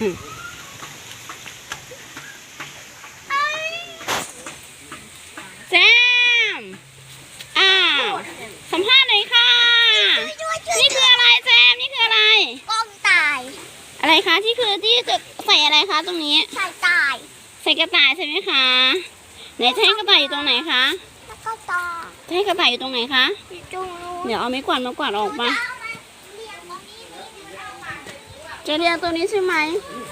แจมสัมภาษณ์หน่อยค่ะนี่คืออะไรแจมนี่คืออะไรกองต่ายอะไรคะที่จะใส่อะไรคะตรงนี้ใส่ต่ายใส่กระต่ายใช่ไหมคะไหนจะให้กระต่ายอยู่ตรงไหนคะแล้วก็ต่อจะให้กระต่ายอยู่ตรงไหนคะเดี๋ยวเอาไม้กวาดออกมาจะเรียงตัวนี้ใช่ไหม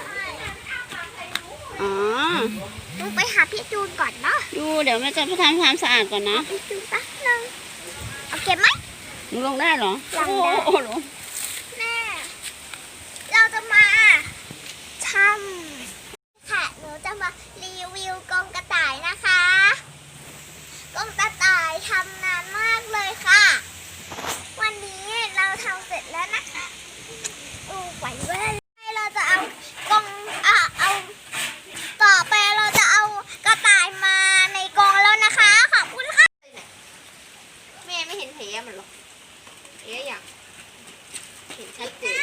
อ๋อต้องไปหาพี่จูนก่อนเนาะเดี๋ยวแม่จะไปทำความสะอาดก่อนนะพี่จูนแป๊บนึงเอาเก็บไหมหนูลงได้เหรอลงได้โอ้โหแม่เราจะมาทำค่ะหนูจะมารีวิวกรงกระต่ายนะคะกรงกระต่ายทำนานมากเลยค่ะวันนี้เราทำเสร็จแล้วนะคะไหวเว้ยเราจะเอากรงเอาต่อไปเราจะเอากระต่ายมาในกรงแล้วนะคะขอบคุณค่ะแม่ไม่เห็นแผลมันหรอกอยากเห็นชัดเจน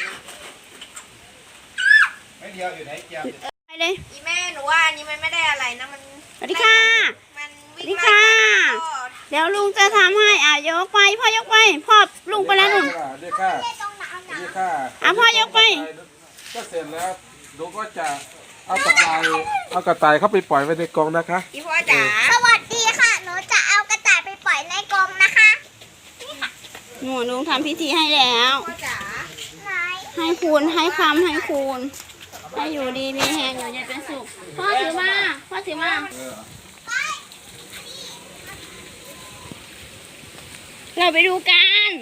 ไม่เดียวอยู่ไหนเจียมไปเลยอีแม่หนูว่าอันนี้มันไม่ได้อะไรนะมันสวัสดีค่ะมันวิ่งไล่เดี๋ยวลุงจะทำให้ยกไปพ่อยกไปพ่อลุงไปแล้วหนุ่มเรียกค่าพ่อยกไปก็เสร็จแล้วดูก็จะเอากระต่ายเข้าไปปล่อยไว้ในกรงนะคะอีพ่อจ๋าสวัสดีค่ะหนูจะเอากระต่ายไปปล่อยในกรงนะคะนี่ค่ะหนูลุงทำพิธีให้แล้วพ่อจ๋าให้คูณให้คำให้คูณให้อยู่ดีมีแหงอยู่เย็นเป็นสุขพ่อถือมาเราไปดูกัน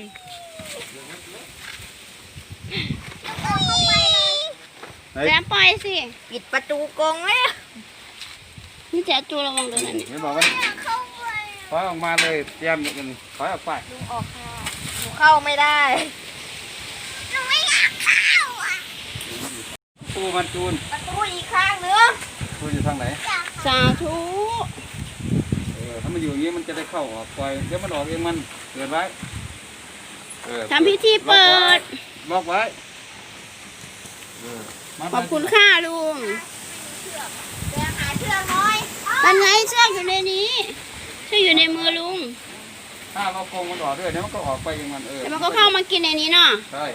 แจ๊ปล่อยสิปิดประตูกรงแล้วนี่แจ๊จูระวังตัวนั้นไม่บอกว่าถอยออกมาเลยเตรียมอย่างนี้ถอยออกไปลุงออกค่ะหนูเข้าไม่ได้หนูไม่อยากเข้าตูมันจูนประตูอีกข้างนึงตูอยู่ทางไหนสาธุถ้ามันอยู่อย่างนี้มันจะได้เข้าออกปล่อยเดี๋ยวมันออกเองมันเกิดไว้ทำพิธีเปิดบอกไว้ขอบคุณค่าลุงหาเชือกน้อยมันไงเชือกอยู่ในนี้เชือกอยู่ในมือลุงถ้าเราโกงมันออกด้วยเดี๋ยวมันก็ออกไปเองมันแต่มันก็เข้ามากินในนี้เนาะใช่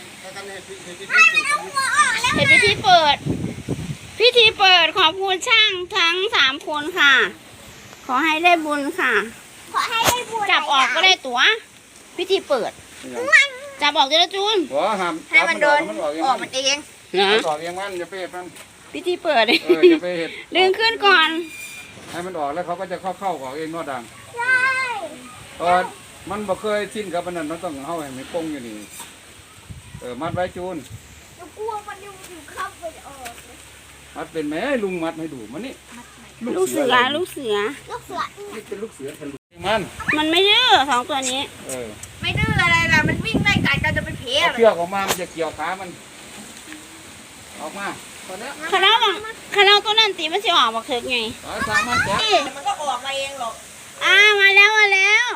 เห็นพิธีเปิดขอบคุณช่างทั้ง3 คนค่ะขอให้ได้บุญค่ะขอให้ได้บุญจับออกก็ได้ตัวพิธีเปิดจับออกจะจูนให้มันโดนออกมันเองนะออกเองมันอย่าไปเห็ดมันพิธีเปิดอย่าไปเห็ดดึงขึ้นก่อนให้มันออกแล้วเขาก็จะเข้าออกเองนอดังใช่มันบ่เคยชินกับมันนั่นมันต้องเข้าให้มันปงอยู่นี่มัดไว้จูนหนูกลัวมันอยู่เข้าไปออกมัดเป็นแม่ลุงมัดให้ดูมันนี่ลูกเสือนี่เป็นลูกเสือทะลุมันไม่ดื้อ2 ตัวนี้ไม่ดื้ออะไรล่ะมันวิ่งไล่กัดกันจะเป็นเพลเชือกออกมามันจะเกี่ยวขามันออกมาตอนนี้คาราตัวนั้นตีมันจะออกมาเถิดไงมันก็ออกมาเองหรอกมาแล้วออกมาแล้ว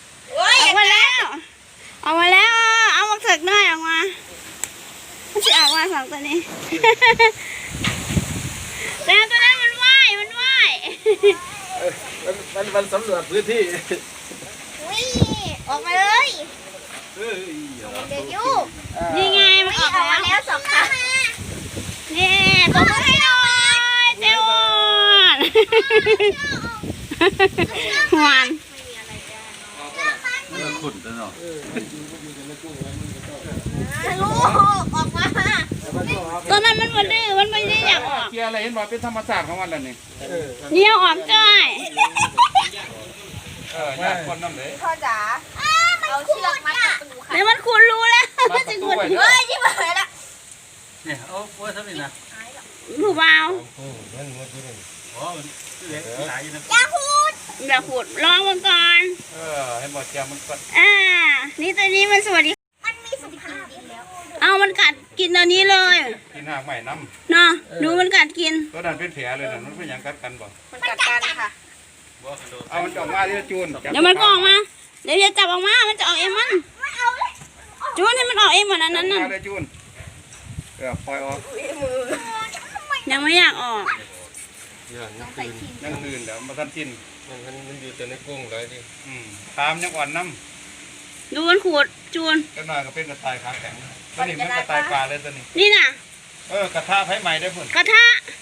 เอามาเถิดหน่อยออกมามันจะออกมา2 ตัวนี้แต่ตัวนั้นมันว่ายมันสำรวจพื้นที่ออกมาเลยเด็กยูนี่ไงมันออกมาแล้ว2 ครั้งนี่ตัวให้หน่อยเจ้าหวานขุ่นตลอดทะลุออกมาตอนนั้นมันไม่ดื้อมันไม่ได้อยากออกเกียร์อะไรเห็นบอกเป็นธรรมชาติของมันแล้วนี่เดี๋ยวออกจ้อยญาติคนน้ำเลยพ่อจ๋าเอาเชือกมัดประตูค่ะแล้วมันคุณรู้แล้วมันจะคุณยิ่งมาเลยละเนี่ยเอาไว้ทำนี่นะผู้เบาอย่าพูดลองมันก่อนให้บอกแกมันกัดนี่ตัวนี้มันสวัสดีมันมีสุขภาพแล้วมันกัดกินตัวนี้เลยกินหากใหม่น้ำเนาะดูมันกัดกินตัวนั้นเป็นแผลเลยนะมันเป็นอย่างกัดกันบ่มันกัดกันค่ะเอามันออกมาที่จูนเดี๋ยวมันก็ออกมาเดี๋ยวจะจับออกมามันจะออกเองมันจูนให้มันออกเองเหมือนนั้นน่ะจูนปล่อยออกยังไม่อยากออกอย่างนี้คืนนั่นคืนแล้วมาทันทินมันอยู่แต่ในกุ้งเลยดิตามยังอ่อนน้ำดูมันขูดจูนก็น่าก็เป็นกระต่ายขาแข็งตัวนี้มันกระต่ายปลาเลยตัวนี้นี่น่ะกระทะไผ่ใหม่ได้ผลกระทะ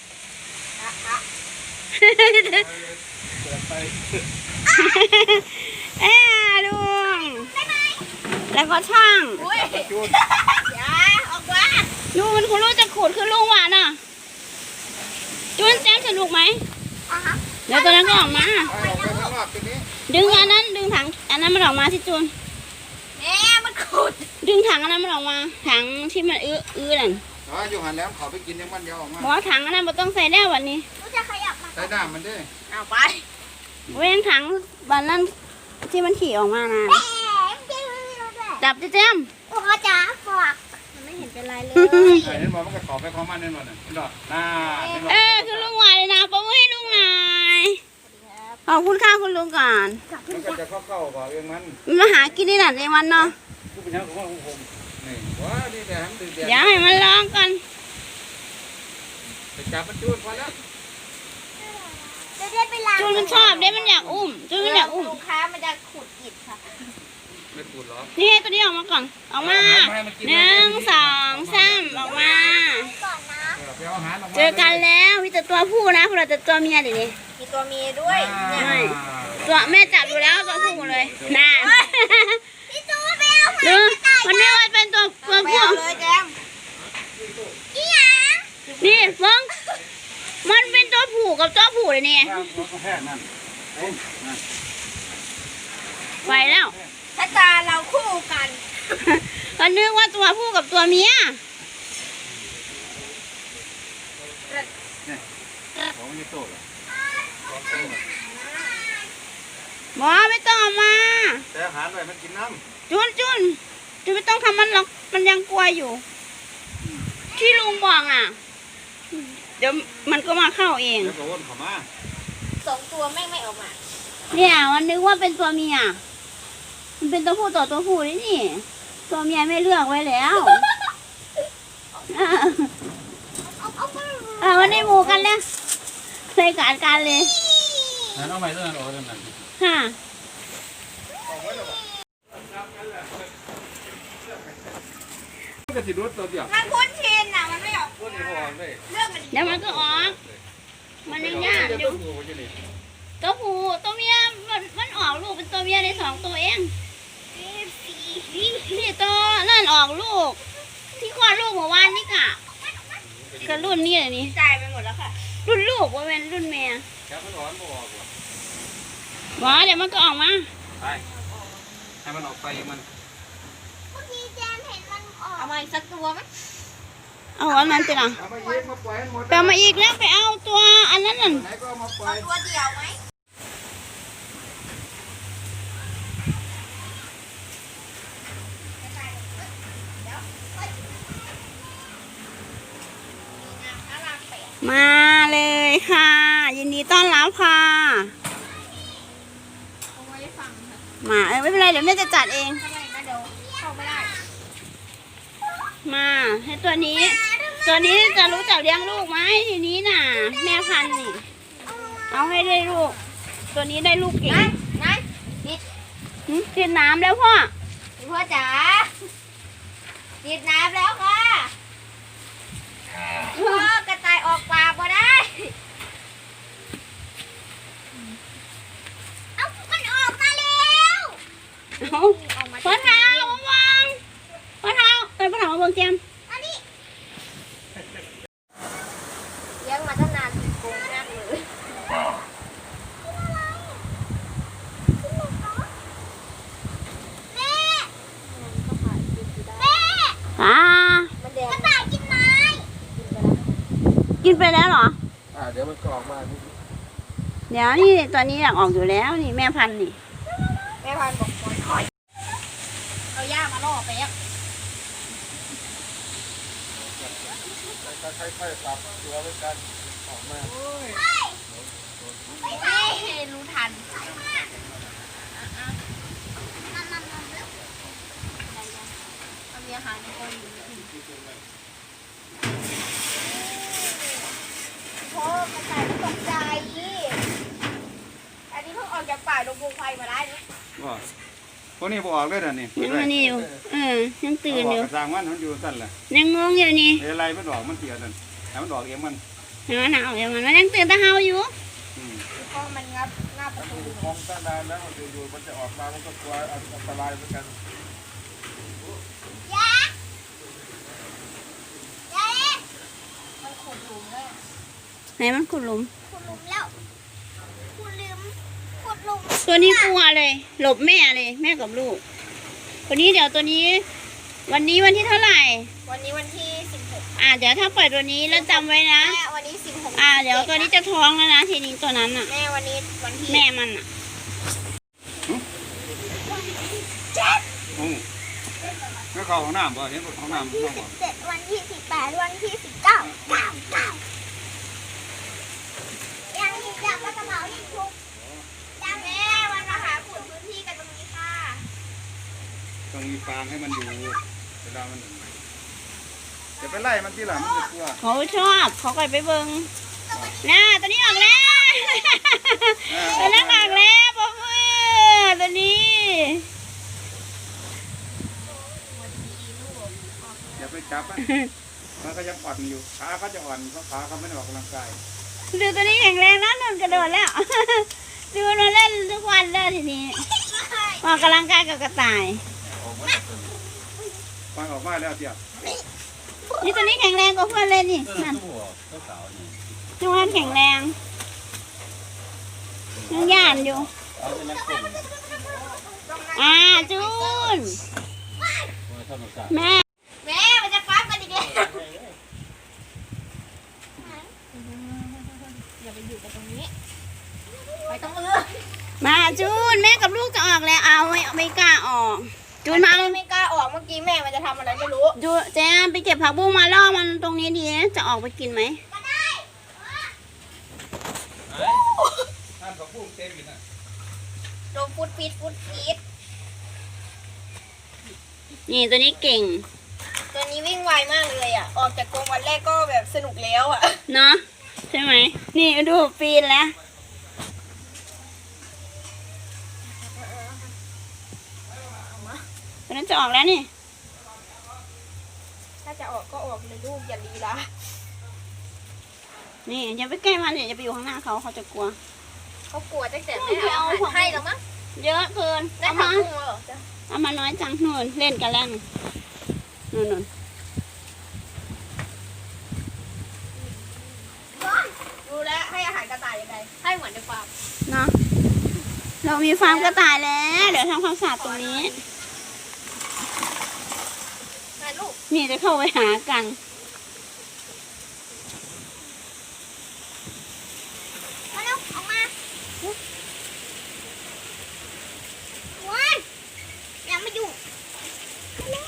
ลุงแล้วก็ช่างจูนอย่าออกมาดูมันคุณรู้จะขูดคือลุงหวานอ่ะจูนแซมสนุกไหมเดี๋ยวตัวนั้นก็ออกมาไปออกไปข้างนอกตัวนี้ดึงอันนั้นดึงถังอันนั้นมันออกมาสิจูนแม่มันขุดดึงถังอันนั้นมันออกมาถังที่มันอื้อนั่นอยู่หันแล้วเขาไปกินยังมันเดียวออกมาบอกว่าถังอันนั้นมันต้องใส่แล้ววันนี้หนูจะขยับมาใส่น้ำมันด้วยเอาไปเว้นถังวันนั้นที่มันขี่ออกมานะแหมพี่รู้ด้วยจับเจ้มโอ้จ๋าฝากมันไม่เห็นเป็นไรเลยเห็นบอกมันก็ขอไปของมันนั่นหมดน่ะนี่ดอกเห็นบอกคือลุงหวานเลยนะปะมือให้ลุงหน่อยขอบคุณค่าคุณลุงก่อนมันก็จะเข้าบอกเองมันมันมาหากินได้หนักในวันเนาะผู้เป็นยังของผมนี่ว้านี่แต่ทำดื้อเดียวเดี๋ยวให้มันร้องกันไปจับมันจูนพอแล้วจะได้ไปล้างจูนมันชอบเด้มันอยากอุ้มจูนมันอยากอุ้มลูกค้ามันจะขุดอิฐค่ะไม่ปูดหรอนี่ให้ตัวนี้ออกมาก่อนออกมา1 2 3ออกมาก่อนนะไปเอาอาหารออกมาเจอกันแล้วมีแต่ตัวผู้นะพวกเราแต่ตัวเมียเดี๋ยวนี้มีตัวเมียด้วยเนี่ยไม่ตัวแม่จับดูแล้วตัวผู้หมดเลยน่าพี่จูนไปเอาดูมันไม่ว่าเป็นตัวไปผู้เอาเลยแจมอีหยังนี่เฟิงมันเป็นตัวผู้กับตัวผู้เลยนี่แพทย์นั่นนั่นไปแล้วถ้าตาเราคู่กันก็นึกว่าตัวผู้กับตัวเมียของไม่โตหรอกหมอไม่ต้องเอามาแต่อาหารไปมันกินน้จุนไม่ต้องทำมันหรอกมันยังกลัวอยู่ ที่ลุงบอกอ่ะ เดี๋ยวมันก็มาเข้าเองำแล้วก็วนเข้ามา 2 ตัวแม่งไม่ออกมาเนี่ยมันนึกว่าเป็นตัวเมียมันเป็นตัวผู้ต่อตัวผู้นี่นี่ ตัวเมียไม่เลือกไว้แล้ววันนี้หมูกันแล้วใส่การเลยนั่นเอาใหม่ตัวนั้นออกตัวนั้นค่ะก็สิรถตัวเดียวมันคุ้นชินอ่ะมันไม่ออกคนนี้พอเลยเรื่องมันเดี๋ยวมันก็ออก มันยังยากอยู่ ตัวผู้ตัวเมียมันออกลูกเป็นตัวเมียใน2 ตัวเองนี่ตัวนั่นออกลูก ที่คลอดลูกเมื่อวานนี่กะก็รุ่นนี้เลยนี่จ่ายไปหมดแล้วค่ะรุ่นลูกว่าเป็นรุ่นแม่แค่มันร้อนบ่ออกหรอหมอเดี๋ยวมันก็ออกมาไปให้มันออกไปมันเมื่อกี้แจมเห็นมันออกเอามาอีกสักตัวไหมเอาอันนั้นจะนะเอามาเย็บมาปล่อยให้หมดไปเอามาอีกแล้วไปเอาตัวอันนั้นน่ะไหนก็เอามาปล่อเอายตัวเดียวไหมมาเลยค่ะ ยินดีต้อนรับค่ะเอาไว้ฟังค่ะมาไม่เป็นไรเดี๋ยวแม่จะจัดเองทำไมนะเดี๋ยวเข้าไม่ได้มาให้ตัวนี้ ตัวนี้จะรู้จักเลี้ยงลูกไหมทีนี้น่ะ แม่พันธุ์นี่ เอาให้ได้ลูก ตัวนี้ได้ลูกเก่งไหนนิดกินน้ำแล้วพ่อพ่อจ๋านิดน้ำแล้วค่ะพ่อกระต่ายออกปากบ่ได้เอามันออกมาแล้วเอาพ่อเท้ามาวางพ่อเท้าพ่อเท้ามาเบิ่งแจมอันนี้เลี้ยงมาตั้งนานโกงมากเลยแม่แม่อ่ามันแดกงระต่ายกินไม้กินไปแล้วเหรอเดี๋ยวมันก็ออกมาเดี๋ยวนี่ตัวนี้อยากออกอยู่แล้วนี่แม่พันธุ์นี่แม่พันธุ์บอกปล่อยถอยเอาย่ามาล่อไปอ่ะค่อยๆปรับตัวไว้กันออกมาไม่รู้ทัน เอามีอาหารในกรงอยู่ลูกปูไฟมาได้ด้วยว่าพวกนี้บออกเลยเดี๋ยวนี้ยังอันนี้อยู่ยังตื่นอยู่กระซังมันอยู่สั้นแหละยังงงอยู่นี่อะไรมันดอกมันเสียนั่นแต่มันดอกเองมันเห็นไหมหนาวอย่างนั้นมันยังตื่นแตะเฮาอยู่เพราะมันงับประตูมองตั้งนานแล้วอยู่ๆมันจะออกมามันก็กลัวอันตรายเหมือนกันยาเอ๊ะมันขุดหลุมเลยไหนมันขุดหลุมขุดหลุมแล้วขุดหลุมขุดหลุมตัวนี้กลัวเลย หลบแม่เลย แม่กับลูกตัวนี้เดี๋ยวตัวนี้ วันนี้วันที่เท่าไหร่วันนี้วันที่16 เดี๋ยวถ้าปล่อยตัวนี้แล้วจำไว้นะแม่วันนี้16 เดี๋ยวตัวนี้จะท้องแล้วนะทีนี้ตัวนั้นอ่ะแม่วันนี้วันที่แม่มันอ่ะไม่เข้าห้องน้ำป่ะเห็นห้องน้ำที่ห้องบ่ 17วันที่18วันที่19ยังอีกจับกระเป๋าอีกทุกจับแม่วันมาหาขุดพื้นที่กันตรงนี้ค่ะต้องมีฟางให้มันอยู่เวลามันจะไปไล่มันที่หลังมันจะกลัวเขาชอบเขาก็ไปเบิ้งน่าตัวนี้ออกแล้วตัวนั้นออกแล้วพ่อเพื่อตัวนี้อย่าไปจับมันก็ยังอ่อนอยู่ขาเขาจะอ่อนเพราะขาเขาไม่ได้ออกกำลังกายดูตัวนี้แข็งแรงนะนนกระโดดแล้ว ดูนนเล่นทุกวันแล้วทีนี้ออกกำลังกายกับกระต่ายฟังออกมาแล้วเดี๋ยวนี่ตัวนี้แข็งแรงกว่าเพื่อนเลยนี่นั่นทุกวันแข็งแรงยังย่านอยู่จูนแม่แม่มันจะปั๊บกันอีกแล้วอย่าไปอยู่กับตรงนี้ไปตรงอื่นมาจูนแม่กับลูกจะออกแล้วเอาไม่กล้าออกจูนมาเอาไม่กล้าออกเมื่อกี้แม่มันจะทำอะไรไม่รู้จูเจ๊ไปเก็บผักบุ้งมาล่อมันตรงนี้ดีจะออกไปกินไหมท่านกับพุ่งเต็มอยู่นะโดนฟุดฟีดนี่ตัวนี้เก่งตัวนี้วิ่งไวมากเลยอ่ะออกจากกรงวันแรกก็แบบสนุกแล้วอ่ะเนาะใช่ไหมนี่ดูปีนแล้วตัวนั้นจะออกแล้วนี่ถ้าจะออกก็ออกเลยลูกอย่าลีลานี่อย่าไปใกล้มันเนี่ยอย่าไปอยู่ข้างหน้าเขาจะกลัวเขากลัวตั้งแต่ไม่เอาอาหารให้แล้วมั้งเยอะเกินได้เอาผักมาบุ้งแล้วเหรอจ๊ะเอามาน้อยจังนู่นเล่นกันแล้วนู่นรู้แล้วให้อาหารกระต่ายยังไงให้เหมือนในฟาร์มเนาะเรามีฟาร์มกระต่ายแล้วเดี๋ยวทำความสะอาดตรงนี้นะลูกนี่จะเข้าไปหากันมาเร็วออกมาว้ายอย่ามายุ่งมาเร็ว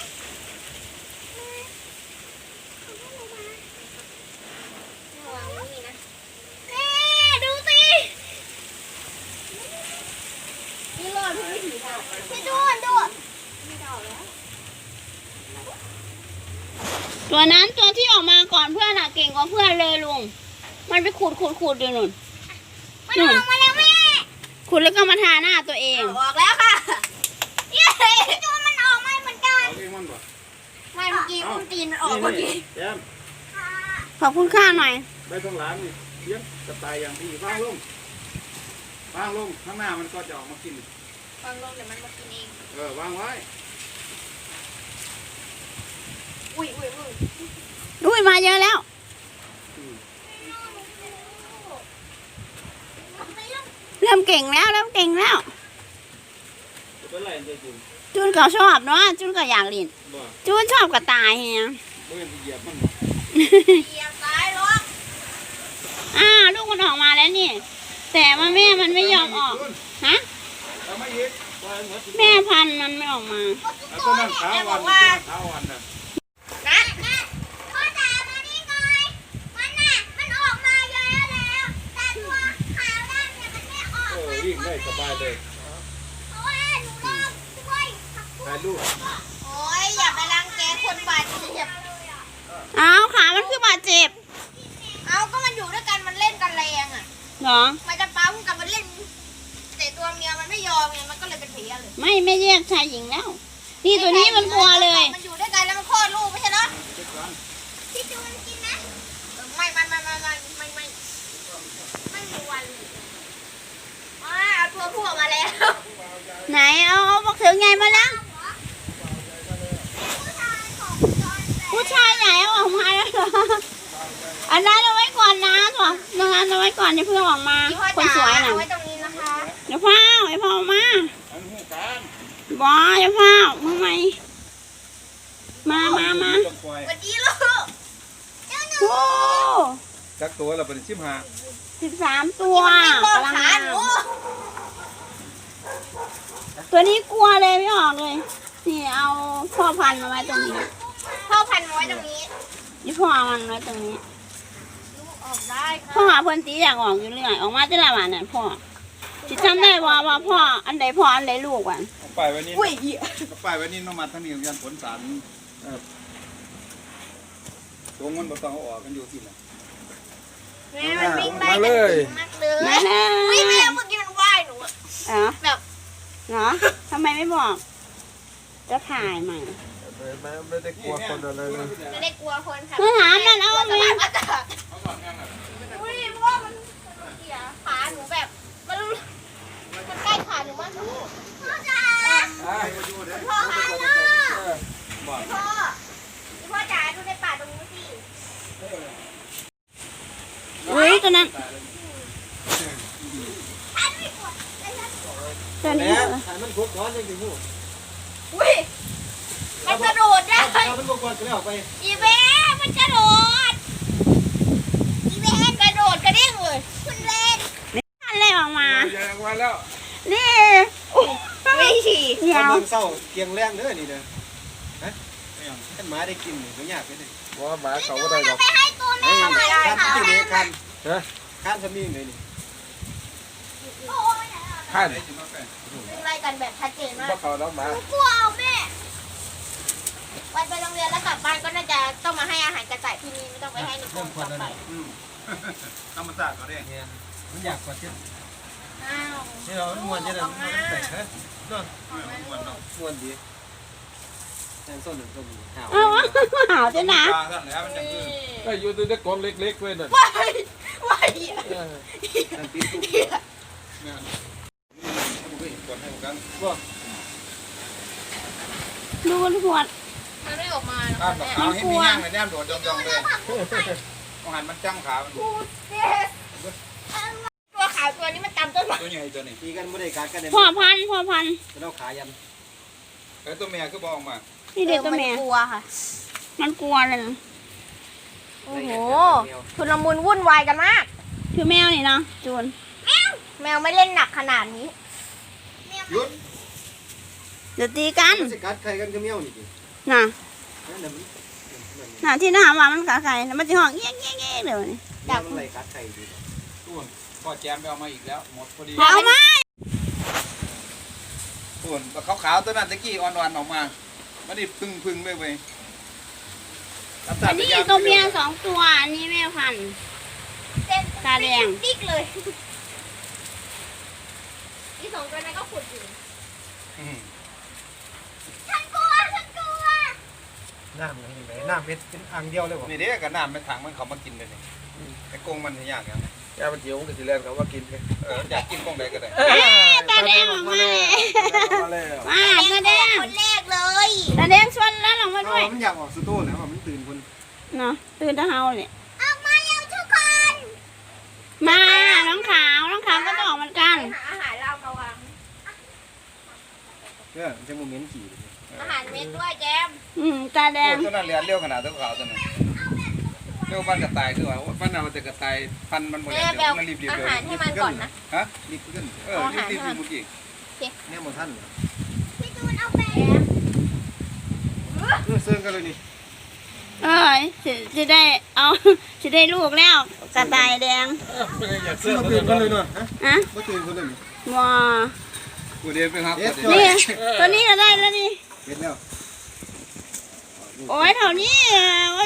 ระวังนี่นะแม่ดูสินี่รอดเพื่อไม่ถือดาบพี่ดูดูไม่ดาวแล้วตัวนั้นตัวที่ออกมาก่อนเพื่อนอะเก่งกว่าเพื่อนเลยลุงมันไปขูดอยู่นู่นมันออกมาแล้วแม่ขูดแล้วก็มาทาหน้าตัวเองออกแล้วค่ะเย้พี่ดูมันออกมาเหมือนกันเอาเองมันบ่ไม่เมื่อกี้อุ้มตีนมันออกเมื่อกี้แย้มขอบคุณค่าหน่อยไปตรงหลังนี่เลี้ยงกระต่ายอย่างดีวางลงข้างหน้ามันก็จะออกมากินฟังลงเดี๋ยวมันมากินเองวางไว้อุ้ยอุ้ยมาเยอะแล้ว เริ่มเก่งแล้วเริ่มเก่งแล้วจะเป็นไรเนี่ยจูนจูนก็ชอบเนาะจูนก็อยากเล่นบ่จูนชอบกระต่ายเฮียเมื่อเหยียบมันเหยียบซ้ายลงลูกมันออกมาแล้วนี่ แต่ว่าแม่มันไม่ยอมออกฮะเอาไม่ยิบปล่อยมันหมดแม่พันธุ์มันไม่ออกมาเอาตัวนั้นขาวันตัวนั้นขาวันน่ะนะพ่อจ๋ามานี่หน่อยมันน่ะมันออกมาเยอะแล้วแต่ตัวขาวดำเนี่ยมันไม่ออกมาวิ่งได้สบายเลยเพราะว่าหนูลองช่วยผักบุ้งถ่ายรูปโอ้ยอย่าไปรังแกคนบาดเจ็บเอาขามันคือบาดเจ็บเอาก็มันอยู่ด้วยกันมันเล่นกันแรงอ่ะเหรอมันจะปั๊มกับมันเล่นแต่ตัวเมียมันไม่เพลี้ยเลยไม่แยกชายหญิงแล้ว นี่ตัวนี้มันกลัวเลยมันอยู่ด้วยกันแล้วมันคลอดลูกไม่ใช่เหรอพี่จูนกินนะไม่มีวันเอาตัวผู้ออกมาแล้วไหนเอาบอกถึงไงมาแล้วผู้ชายของจอนแบผู้ชายไหนเอาออกมาแล้วเหรออันนั้นเอาไว้ก่อนนะถั่วตรงนั้นเอาไว้ก่อนอย่าเพิ่งเอาออกมาพี่พ่อคนจ๋าสวยน่ะเอาไว้ตรงนี้นะคะเดี๋ยวพ่อไอ้พ่อมาอันหูการบอเดี๋ยวพ่อมาไหมมาต้องปล่อยสวัสดีลูกโอ้จักตัวเราเป็น15 13 ตัวป้อนกำลังขามาหนูตัวนี้กลัวเลยไม่ออกเลยนี่เอาพ่อพันธุ์มาไว้ตรงนี้พ่อพันไว้ตรงนี้นี่พ่อมันไว้ตรงนี้ลูกออกได้ค่ะพ่อหาเพื่อนตีอยากออกอยู่เรื่อยออกมาจะละวันนั่นพ่อจิจำได้ว่าพ่ออันใดพ่ออันใดลูกวันเอาไปไว้นี่เอาไปไว้นี่น้องมาทางนี้ยันผลสารตรงมันบ่ต้องเอาออกกันอยู่ที่น่ะแม่มันวิ่งไล่มาเลยมากเลยมาเลยวิ่งแม่เมื่อกี้มันว่ายหนูอะเออแบบเหรอทำไมไม่บอก จะถ่ายใหม่ไม่ได้กลัวคนอะไรเลยไม่ได้กลัวคนค่ะมาถามนั่นเอากลัวไหมสภาพอากาศอุ้ยเพราะว่ามันเสียขาหนูแบบมันใกล้ขาหนูมากพ่อจ๋าพ่อคะพ่อพ่อจ๋าดูในป่าตรงนี้สิอุ้ยตัวนั้นตัวนี้มันคุกร้อนยังอยู่อุ้ยมันกระโดดได้มันคุกก่อนก็แล้วไปอีเบ้มันกระโดดอีเบ้กระโดดกระเด้งเลยคุณเล่นท่านเลยออกมาอย่าออกมาแล้วนี่ไม่ฉี่เดี๋ยวเมืองเศร้าเกียงแรงเด้อนี่เด้อฮะท่านหมาได้กินก็ยากเลยว่าหมาเขาก็ได้หรอกไปให้ตัวแม่เฮ้ยทำไมคันที่นี่คันฮะคันทำนี่เลยนี่โอ้ยท่านวิ่งไล่กันแบบชัดเจนมากว่าเขาแล้วหมากลัวเอาแม่วันไปโรงเรียนแล้วกลับบ้านก็น่าจะต้องมาให้อาหารกระต่ายที่นี่ไม่ต้องไปให้ในกรเริ่มมควันต่อแล้วไปนี่ธรรมศาสตร์เขาเรียกเนี่ยมันอยากกว่าเช่นอ้าวนี่เราม้วนจะได้มันแต่งฮะเนาะม้วนดีแทนส้นหนึ่งส้นหาวเอาหาวจะหนาปลาท่านแล้วมันจะคือก็อยู่ในกองเล็กๆเว้ยนั่นว้ายว้ายนั่นปีตุ๊กเนี่ยผมก็เห็นก่อนให้ผมกันดูขวดมันไม่ออกมาหรอกข้ามดอกแม่ขาวให้มีย่างเลยแนมโดดยองๆเลยต้องหันมันจ้างขามันตัวขาวตัวนี้มันตามต้นไม้ตัวใหญ่ตัวนี้ตีกันไม่ได้การกันเลยพ่อพันธุ์จะเอาขายันแล้วตัวแม่ก็บอกมานี่เด็กตัวแม่กลัวค่ะมันกลัวเลยนะโอ้โหชุลมุนวุ่นวายกันมากคือแมวนี่เนาะจูนแมวไม่เล่นหนักขนาดนี้หยุดเดี๋ยวตีกันมันจะกัดใครกันก็เมียวนี่ดิน่ะนั่นน่ะน่ะที่ถามว่ามันขาใครแล้วมันจะห้องเงี้ยเดี๋ยวนี้มันไหลกัดใครดิต้นพ่อแจมไปเอามาอีกแล้วหมดพอดีเอามาส่วนขาวๆตัวนั้นตะกี้อ่อนๆออกมาไม่ได้พึ่งเลยเว้ยอันนี้ตัวเมีย2 ตัวอันนี้แม่พันธุ์เส้นตาแดงติ๊กเลยอีสองตัวนั้นก็ขุดอยู่ฉันกลัวน้ำยังไงน้ำเป็นอ่างเดียวเลยวะนี่เด็กกับน้ำเป็นถังมันเขามากินเลยนี่ไอ้กงมันยากอย่างแกมันเจียวมันก็สิแล่นเขาว่ากินเลยอยากกินกงใดก็ได้ตาแดงออกมาเลยมาแล้วมาตาแดงคนแรกเลยตาแดงชวนแล้วลงมาด้วยมันอยากออกสตูแล้วมันตื่นคนเนาะตื่นตาเฮาเลยออกมาเร็วทุกคนมาน้องขาวก็ต้องออกเหมือนกันหาอาหารเรามาวางเนี่ยจะโมเมนต์ขี่อาหารเม็ดด้วยแจมตาแดงตัวนั้นเรียนเร็วขนาดตัวขาวตัวนั้นเร็วมันกระต่ายคือว่ามันเอาแต่กระต่ายพันมันหมดแม่แล้วแบลมันรีบอาหารให้มันก่อนนะฮะรีบขึ้นรีบเมื่อกี้เนี่ยหมดท่านพี่จูนเอาไปเสื่อกันเลยนี่เอ้ยจะได้เอา จะได้ลูกแล้วกระต่ายแดงอยากเสื้อมามันตื่นก็กันเลยเนาะฮะอะมาตื่นกันเลยว้ากูเรียนไปครับนี่ตัวนี้ก็ได้แล้วนี่เห็นแล้วโอ้ยเท่านี้โอ้ย